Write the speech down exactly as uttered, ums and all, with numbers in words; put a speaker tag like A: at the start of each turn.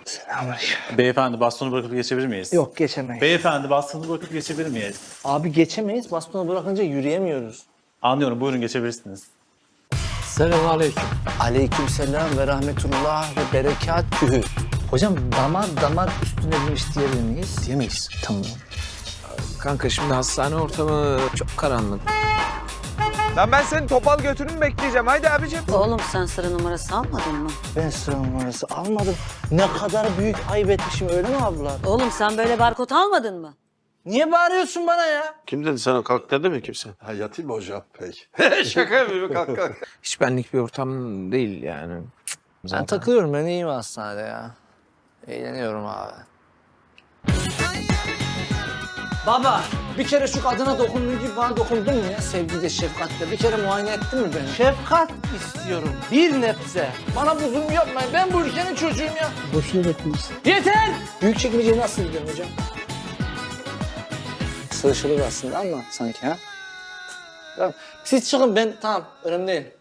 A: Selamünaleyküm.
B: Beyefendi bastonu bırakıp geçebilir miyiz?
A: Yok geçemeyiz.
B: Beyefendi bastonu bırakıp geçebilir miyiz?
A: Abi geçemeyiz. Bastonu bırakınca yürüyemiyoruz.
B: Anlıyorum, buyurun geçebilirsiniz.
C: Selamünaleyküm.
A: Aleykümselam ve rahmetullah ve berekatühü. Hocam damar damar üstüne binmiş diyebilir miyiz?
C: Diyemeyiz.
A: Tamam.
C: Kanka şimdi hastane ortamı çok karanlık.
D: Lan ben senin topal götünü mü bekleyeceğim? Haydi abicim.
E: Oğlum sen sıra numarası almadın mı?
A: Ben sıra numarası almadım. Ne kadar büyük ayıp etmişim öyle mi abla?
E: Oğlum sen böyle barkod almadın mı?
A: Niye bağırıyorsun bana ya?
F: Kim dedi sana kalk dedi mi kimse?
G: Ha yatayım mı hocam peki?
F: Şaka yapıyorum kalk kalk.
C: Hiç benlik bir ortam değil yani.
A: Ben takılıyorum, ben iyiyim hastanede ya. Eğleniyorum abi. Baba, bir kere şu kadına dokunduğun gibi bana dokundun mu ya sevgiyle, şefkatle? Bir kere muayene ettin mi beni? Şefkat istiyorum, bir nebze. Bana bu zulmü yapmayın, ben bu ülkenin çocuğuyum ya. Boşuna bekliyorsun. Yeter! Büyükçekmece'ye nasıl gidiyorum hocam? Sığışılır aslında ama sanki ha? Tamam, siz çıkın ben, tamam, önemli değil.